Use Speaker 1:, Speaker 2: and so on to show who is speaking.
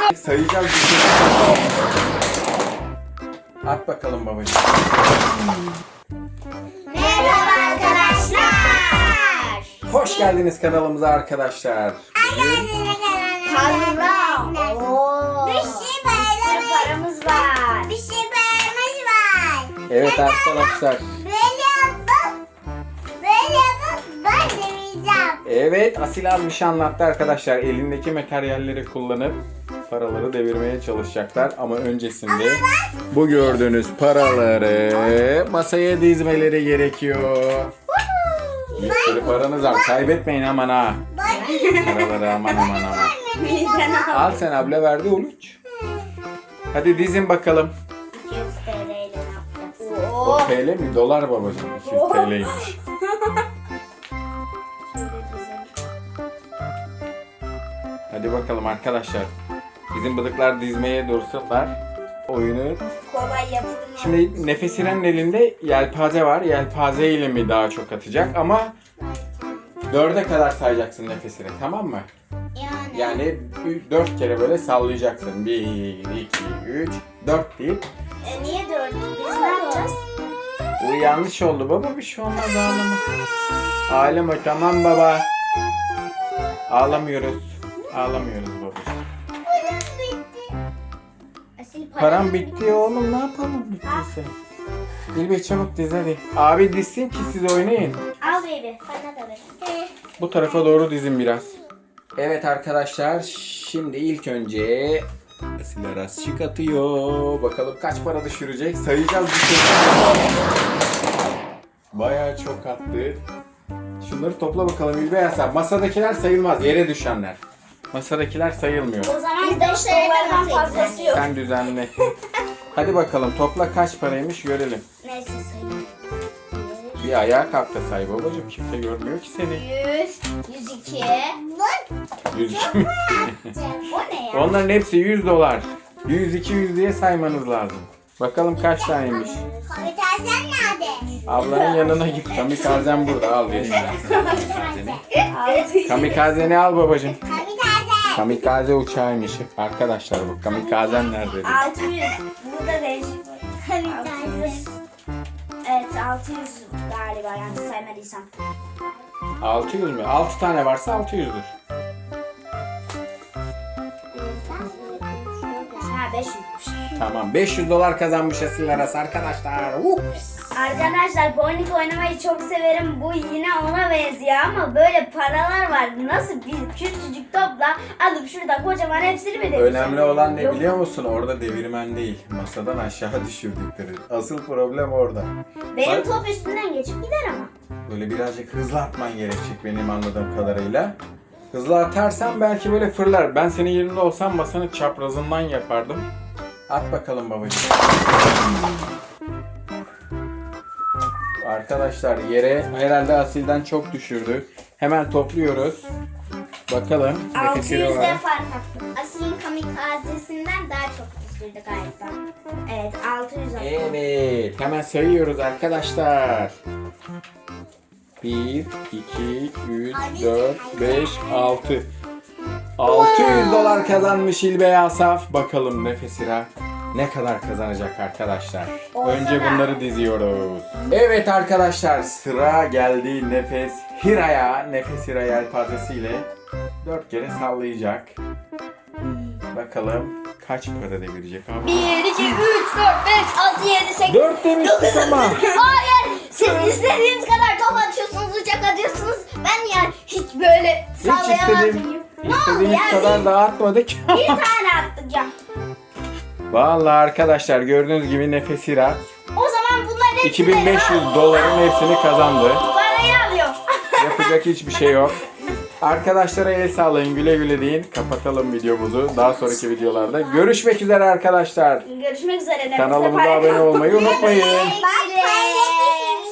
Speaker 1: Sayacağız. At bakalım babacığım.
Speaker 2: Merhaba arkadaşlar.
Speaker 1: Hoş geldiniz kanalımıza arkadaşlar.
Speaker 2: Bir sürü paramız var. Bir sürü paramız var.
Speaker 1: Evet arkadaşlar.
Speaker 2: Böyle yapıp ben demeyeceğim.
Speaker 1: Evet, Asil abi bir şey anlattı arkadaşlar. Elindeki materyalleri kullanıp paraları devirmeye çalışacaklar. Ama öncesinde bu gördüğünüz paraları masaya dizmeleri gerekiyor. Bir sürü paranız var. Kaybetmeyin aman ha. Paraları aman. Al sen abla verdi Uluç. Hadi dizin bakalım.
Speaker 2: 200 TL ile ne yapacaksın?
Speaker 1: O TL mi? Dolar babacığım. 200 TL'ymiş. Hadi bakalım arkadaşlar. Bizim bıdıklar dizmeye dursunlar. Oyunu.
Speaker 2: Kolay yapılır.
Speaker 1: Şimdi Nefes İren'in elinde yelpaze var. Yelpaze ile mi daha çok atacak ama 4'e kadar sayacaksın Nefes İren, tamam mı? Yani 4 kere böyle sallayacaksın. 1, 2, 3, 4 deyip.
Speaker 2: Niye 4? Biz ne yapacağız?
Speaker 1: Bu yanlış oldu baba, bir şey olmaz, ağlama. Ağlama tamam baba. Ağlamıyoruz. Ağlamıyoruz babacığım. Param bitti oğlum, ne yapalım bittiyse. İlbey çabuk diz hadi. Abi dizsin ki siz oynayın.
Speaker 2: Al baby. Bana da ver.
Speaker 1: Bu tarafa doğru dizin biraz. Evet arkadaşlar, şimdi ilk önce Asil Aras atıyor. Bakalım kaç para düşürecek. Sayacağız bir şey. Bayağı çok attı. Şunları topla bakalım İlbey Asaf. Masadakiler sayılmaz, yere düşenler. Masadakiler sayılmıyor.
Speaker 2: O zaman bizde şeylerden fazlası yok.
Speaker 1: Sen düzenle. Hadi bakalım topla kaç paraymış görelim.
Speaker 2: Neyse sayayım.
Speaker 1: Bir ayağa kalk da say babacığım. Kimse görmüyor ki seni.
Speaker 2: 100, 102.
Speaker 1: 102 mi?
Speaker 2: O ne ya?
Speaker 1: Onların hepsi 100 dolar. 100, 200 diye saymanız lazım. Bakalım kaç taneymiş.
Speaker 2: Kamikazen nerede?
Speaker 1: Ablanın yanına git. Kamikazen burada. Al vereyim ben sana kamikazeni. Kamikazeni al babacığım.
Speaker 2: Kamikaze.
Speaker 1: Kamikaze uçağıymış. Arkadaşlar bu kamikazen nerede?
Speaker 2: 600. Burada değişik var. Kamikaze. Evet 600 galiba yanlış saymadıysam.
Speaker 1: 600 mü? 6 tane varsa 600'dür.
Speaker 2: Ha 500'müş.
Speaker 1: Tamam. 500 dolar kazanmış Asil Aras arkadaşlar.
Speaker 2: Arkadaşlar bowling oynamayı çok severim. Bu yine ona benziyor ama böyle paralar var. Nasıl bir küçücük topla alıp şurada kocaman hepsini mi devireceğim?
Speaker 1: Önemli olan ne
Speaker 2: Yok.
Speaker 1: biliyor musun? Orada devirmen değil. Masadan aşağı düşürdükleri. Asıl problem orada.
Speaker 2: Benim
Speaker 1: Bak,
Speaker 2: top üstünden geçip gider ama.
Speaker 1: böyle birazcık hızlı atman gerekecek benim anladığım kadarıyla. Hızlı atarsan belki böyle fırlar. Ben senin yerinde olsam masanın çaprazından yapardım. At bakalım babacığım. Arkadaşlar yere herhalde Asil'den çok düşürdü. Hemen topluyoruz. Bakalım.
Speaker 2: 600'de fark attım. Asil'in kamikazesinden daha çok düşürdü galiba. Evet 600 attım.
Speaker 1: Evet. Hemen sayıyoruz arkadaşlar. 1, 2, 3, 4, 5, 6. 600 dolar kazanmış İlbey Asaf. Bakalım Nefes İren ne kadar kazanacak arkadaşlar. Önce bunları diziyoruz. Evet arkadaşlar, sıra geldi Nefes Hira'ya. Nefes Hira yelpazesiyle 4 kere sallayacak. Bakalım kaç para devirecek abi.
Speaker 2: 1, 2, 3, 4, 5, 6, 7, 8.
Speaker 1: 4 demiştik ama.
Speaker 2: Hayır! Siz istediğiniz kadar top atıyorsunuz, uçak atıyorsunuz. Ben yani hiç böyle
Speaker 1: Hiç
Speaker 2: sallayamazdım.
Speaker 1: istediğimiz kadar da atmadık.
Speaker 2: Bir tane attık ya.
Speaker 1: Vallahi arkadaşlar gördüğünüz gibi Nefes Hira
Speaker 2: O zaman bunların hepsini
Speaker 1: 2500 doların hepsini kazandı.
Speaker 2: parayı alıyor.
Speaker 1: Yapacak hiçbir şey yok. Arkadaşlara el sağlayın, güle güle deyin. Kapatalım videomuzu. Daha sonraki videolarda görüşmek üzere arkadaşlar.
Speaker 2: Görüşmek üzere.
Speaker 1: Kanalımıza abone olmayı unutmayın.
Speaker 2: Bye.